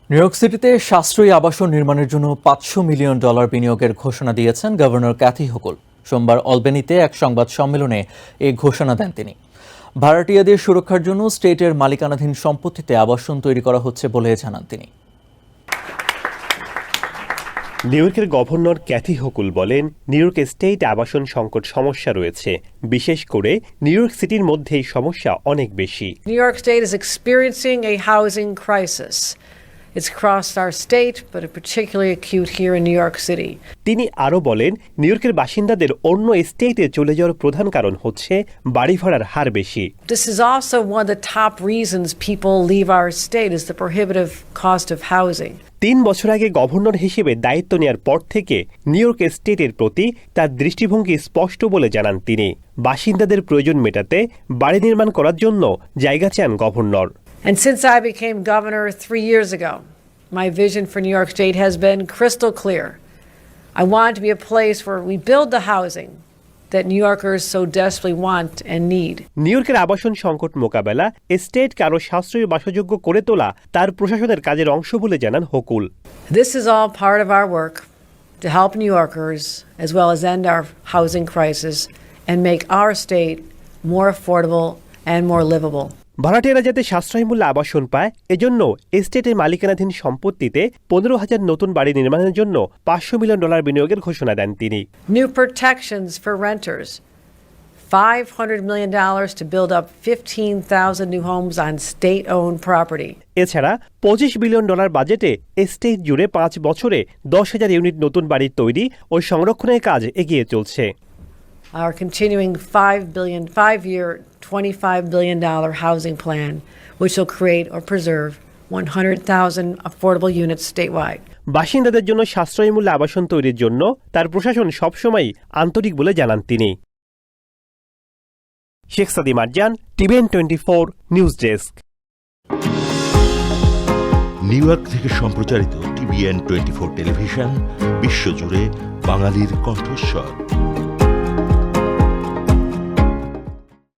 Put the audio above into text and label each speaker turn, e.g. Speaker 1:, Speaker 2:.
Speaker 1: New York সিটিতে সাশ্রয়ী আবাসন নির্মাণের জন্য $500 মিলিয়ন বিনিয়োগের ঘোষণা দিয়েছেন গভর্নর ক্যাথি হোকুল। সোমবার অলবেনিতে এক সংবাদ সম্মেলনে এই ঘোষণা দেন তিনি। ভাড়াটিয়াদের সুরক্ষার জন্য স্টেটের মালিকানাধীন সম্পত্তিতে আবাসন তৈরি করা হচ্ছে বলে জানান তিনি।
Speaker 2: নিউ ইয়র্কের গভর্নর ক্যাথি হোকুল বলেন, নিউ ইয়র্ক স্টেট আবাসন সংকট সমস্যা রয়েছে, বিশেষ করে নিউ ইয়র্ক সিটির মধ্যে এই সমস্যা অনেক বেশি।
Speaker 3: New York State is experiencing a housing crisis. It's across our state, but it's particularly acute here in New York City.
Speaker 2: তিনি আরও বলেন, নিউ ইয়র্কের বাসিন্দাদের অন্য স্টেটে চলে যাওয়ার প্রধান কারণ হচ্ছে বাড়ি ভাড়ার হার বেশি।
Speaker 3: This is also one of the top reasons people leave our state is the prohibitive cost of housing.
Speaker 2: 3 বছর আগে গভর্নর হিসেবে দায়িত্ব নেওয়ার পর থেকে নিউ ইয়র্ক স্টেটের প্রতি তার দৃষ্টিভঙ্গি স্পষ্ট বলে জানান তিনি। বাসিন্দাদের প্রয়োজন মেটাতে বাড়ি নির্মাণ করার জন্য জায়গা চান governor.
Speaker 3: And since I became governor 3 years ago, my vision for New York State has been crystal clear. I want it to be a place where we build the housing that New Yorkers so desperately want and need.
Speaker 2: নিউ ইয়র্কের আবাসন সংকট মোকাবেলা স্টেটকে আরও সাশ্রয়ী বাসযোগ্য করে তোলা তার প্রশাসনের কাজের অংশ বলে জানান Hochul.
Speaker 3: This is all part of our work to help New Yorkers as well as end our housing crisis and make our state more affordable and more livable.
Speaker 2: ভাড়াটিয়ারা যাতে সাশ্রয়ী মূল্যে আবাসন পায়, এজন্য স্টেটের মালিকানাধীন সম্পত্তিতে 15,000 নতুন বাড়ি নির্মাণের জন্য $500 মিলিয়ন বিনিয়োগের ঘোষণা দেন তিনি।
Speaker 3: New protections for renters, $500 million to build up 15,000 new homes on state-owned property.
Speaker 2: এছাড়া $25 বিলিয়ন বাজেটে স্টেট জুড়ে 5 বছরে 10,000 ইউনিট নতুন বাড়ির তৈরি ও সংরক্ষণের কাজ এগিয়ে চলছে।
Speaker 3: Our continuing five-year, $25 billion housing plan, which will create or preserve 100,000 affordable units statewide.
Speaker 2: বাসিন্দাদের জন্য সাশ্রয়ী মূল্যে আবাসন তৈরির জন্য তার প্রশাসন সবসময় আন্তরিক বলে জানান তিনি। Sheikh Sadi Marjan, TVN 24 news desk.
Speaker 4: New York থেকে সম্প্রচারিত TVN 24 টেলিভিশন বিশ্বজুড়ে বাঙালির কণ্ঠস্বর।